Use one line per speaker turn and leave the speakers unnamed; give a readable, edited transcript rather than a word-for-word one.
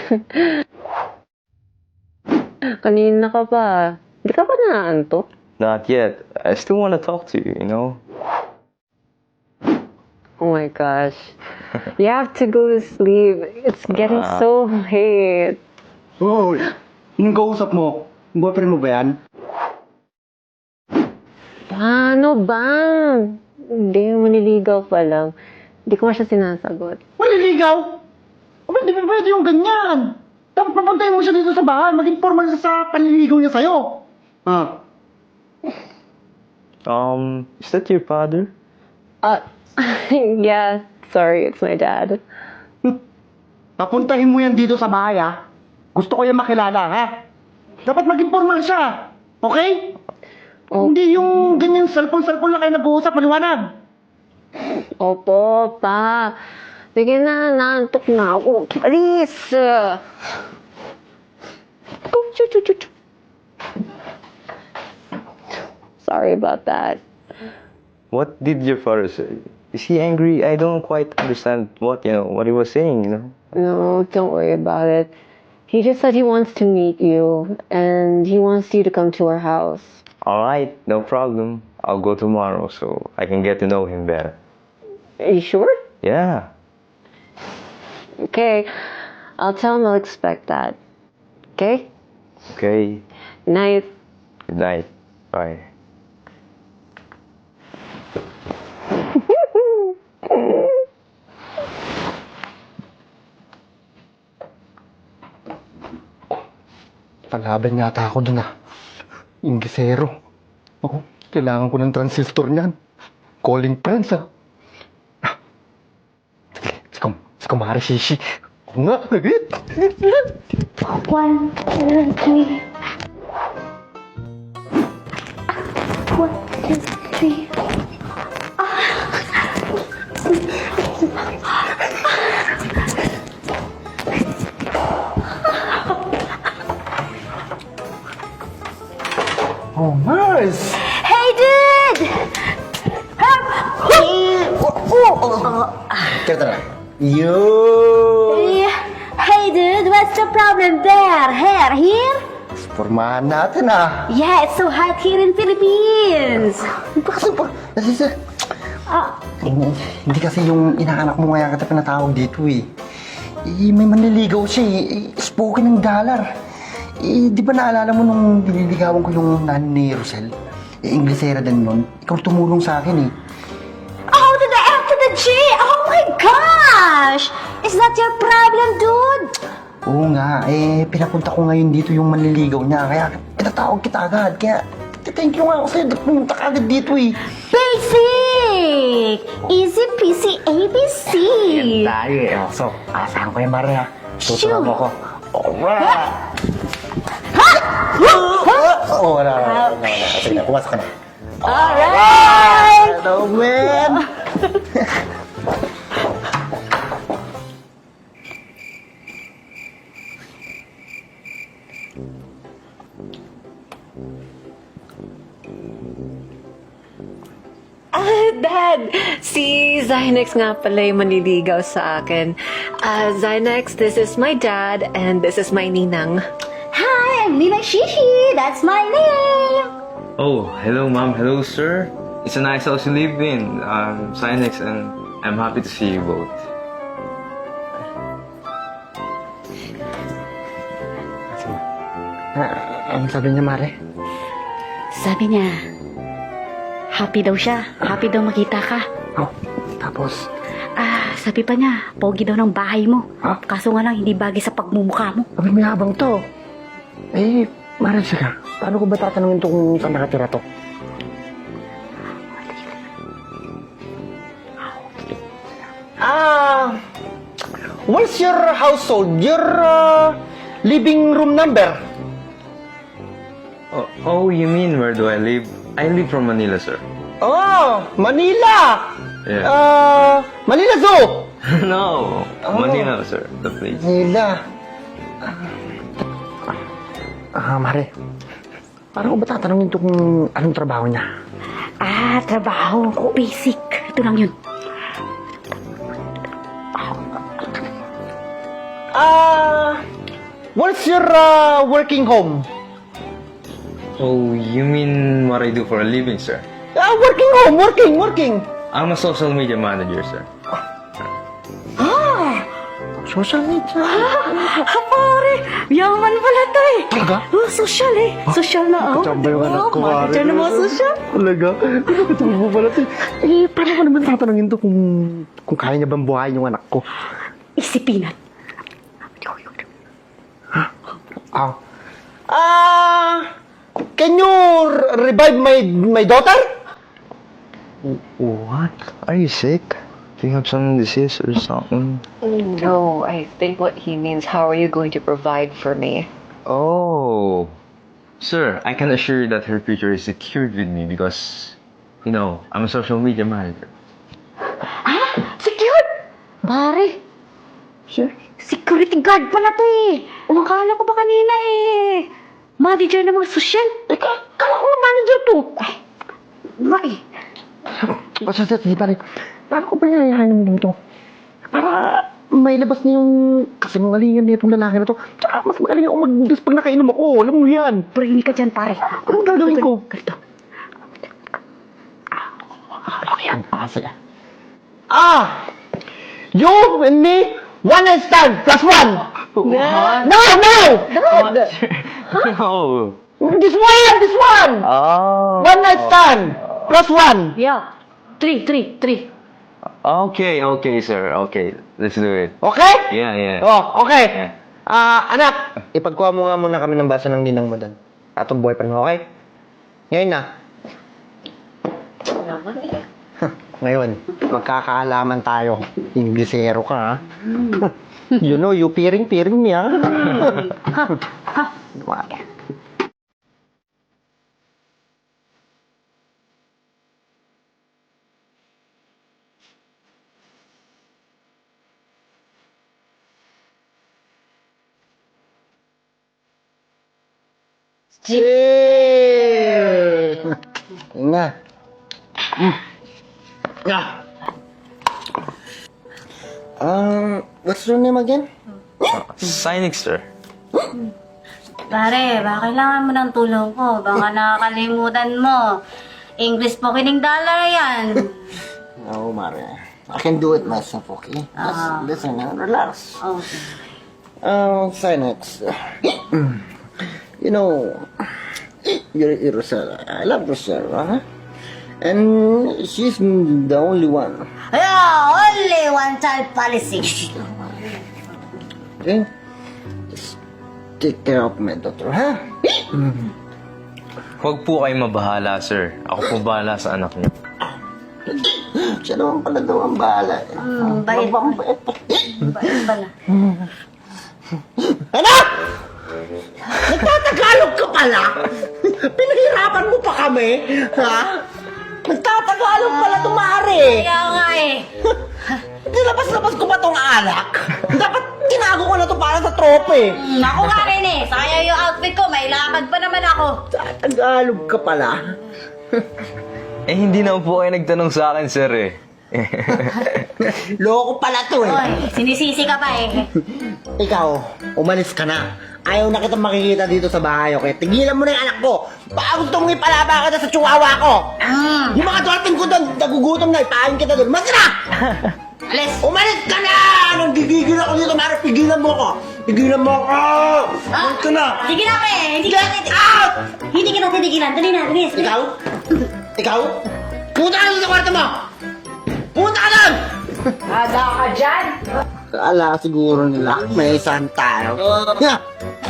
Kanina ka pa. Di ka pa naaantok?
Not yet. I still want to talk to you, you know?
Oh my gosh. You have to go to sleep. It's getting so late.
Hoy, yung kausap mo, boyfriend mo ba yan?
Paano ba? Hindi, maniligaw pa lang. Hindi ko nga siya sinasagot.
Maliligaw? Aba, di ba pwede yung ganyan? Dapat papuntahin mo siya dito sa bahay, maging formal siya sa panliligaw niya sa'yo. Ah,
Is that your father?
Yeah, sorry, it's my dad.
papuntahin mo yan dito sa bahay, ha? Gusto ko yan makilala, ha? Dapat maging formal siya. Okay?
Oh.
Hindi yung ganyan cellphone lang kayo nag-uusap, maliwanag.
Opo, pa. Sige na, naantok na ako. Alis! Sorry about that.
What did your father say? Is he angry? I don't quite understand what he was saying, you know?
No, don't worry about it. He just said he wants to meet you, and he wants you to come to our house.
Alright, no problem. I'll go tomorrow so I can get to know him better.
Are you sure?
Yeah.
Okay. I'll tell him I'll expect that. Okay?
Okay.
Night.
Good night. Bye.
Palaban yata ako dun, Ingisero. Ako, kailangan ko ng transistor niyan. Calling friends, Sige, si Kumari Shishi. Oo nga, agad.
1, 2, 3. 1, 2, 3.
Oh, Mars!
Hey, dude!
Tara. Yo!
Hey, dude, what's the problem there? Hair here?
Pormahan natin,
Yeah, it's so hot here in Philippines.
Nasisa. Hindi kasi yung inaanak mo ngayon kita pinatawag dito, may manliligaw siya, spoken ng dollar. Di ba naalala mo nung nililigawan ko yung nanay ni Rosel? Inglesera din nun. Ikaw tumulong sa akin,
Oh, to the F to the G! Oh my gosh! Is that your problem, dude?
Oo nga, pinapunta ko ngayon dito yung manliligaw niya. Kaya pinatawag kita agad. Kaya thank you nga ako sa'yo. Pumunta ka agad dito,
Basic! Easy peasy ABC!
Tayo, So, asahan ko yung Mara,
Shoo!
Tuturuan mo ko. Alright! Wala. Sige na, pumasok ka na.
Alright!
Hello, man!
Dad! Si Zynex nga pala yung manliligaw sa akin. Zynex, this is my dad, and this is my ninang.
Hi, I'm Nina Shishi. That's my name.
Oh, hello, ma'am. Hello, sir. It's a nice house you live in. I'm Sinex, and I'm happy to see you both.
Ang sabi niya, Mare?
Sabi niya, happy daw siya. Happy daw makita ka.
Oh, tapos?
Sabi pa niya, pogi daw ng bahay mo. Kaso nga lang, hindi bagay sa pagmumukha mo.
Sabi may habang to. Mare, siya. Paano ko ba tatanungin to kung saan nakatira to? What's your household? Your living room number?
Oh, you mean where do I live? I live from Manila, sir.
Oh, Manila!
Yeah.
Manila Zoo!
No, Manila, sir. The place.
Manila. Mare. Paano ko ba tatanungin to kung anong trabaho niya?
Trabaho. Basic. Ito lang yun.
What's your working home?
Oh, you mean what I do for a living, sir?
Working home, working.
I'm a social media manager, sir.
Social media.
Pare, yaman pala to eh.
Talaga?
Social eh. Social na ako.
Kachamba yung anak ko, pare.
Manager na mga social.
Talaga? Pinapatulog mo pala ito. Paano ko naman tatanungin to kung kaya niya bang buhayin yung anak ko?
Isipin at.
Can you revive my daughter?
What? Are you sick? Do you have some disease or something?
No, I think what he means, how are you going to provide for me?
Oh. Sir, I can assure you that her future is secured with me because, I'm a social media manager.
Secured? Pare.
Sure.
Security guard pala to eh. Akala ko ba kanina eh. Manager ng mga social.
Kala ko nga manager to.
Ba eh.
Basta, pare, paano ko ba yayahanin dito? Para may labas na yung kasinungalingan nitong lalaki na to. Tsaka mas magaling ako mag-dus pag nakainom ako. Alam mo yan.
Prili ka dyan pare.
Anong gagawin ko?
Ganito.
Ano yan? Saya. You and me, one night stand, plus one.
What?
No!
No.
This one!
Oh.
One night stand, plus one.
Yeah. Three.
Okay, sir. Okay, let's do it.
Okay?
Yeah.
Oh, okay.
Yeah.
Anak, ipagkuha mo nga muna kami ng basa ng ninang mo doon. Atong boyfriend mo, okay? Ngayon na. Ngayon, magkakaalaman tayo. Inglesero ka, ha? You know, you piring me, ha? Cheers! Yun na. What's your name again?
Sinex, sir.
Pare, baka kailangan mo ng tulong ko. Baka nakakalimutan mo. English po kining dollar yan.
No, Mare. I can do it myself, okay? Just listen and relax.
Okay.
Sinex. You know, you're Rosella. I love Rosella, huh? And she's the only one.
Yeah, only one child policy.
Okay? Just take care of my daughter, huh?
Huwag po kayo mabahala, sir. Ako po bahala sa anak niyo.
Siya naman pala daw ang bahala.
Bait.
Mabait.
Bait pala.
Anak! Nagtatagalog ka pala? Pinahirapan mo pa kami? Ha? Nagtatagalog pala tumari.
Kaya nga eh.
Nilabas-labas ko ba tong alak? Dapat tinago ko na to para sa trope.
Ako nga rin eh. Sayang yung outfit ko. May lakad pa naman ako.
Tagalog ka pala.
Hindi na po kayo nagtanong sa akin, sir, eh.
Loko pala to eh.
Oy, sinisisi ka pa eh.
Ikaw, umalis ka na. Ayaw na kitang makikita dito sa bahay, okay? Tigilan mo na yung anak ko. Baka gusto mong ipalaba ka sa chihuahua ko. Yung mga dolphin ko doon, nagugutom na, ipahin kita doon. Mas na!
Alis.
Umalis ka na! Nang gigigil ako dito, Mara, pigilan mo ko. Pigilan mo ko! Umalis ka na!
Sige na pre. Hindi
Get out!
Hindi kita titigilan. Dali na, bilis.
Ikaw? Ikaw? Punta ka doon sa kwarto mo! Punta ka doon!
Ada ka dyan!
Kala siguro nila may isang tayo.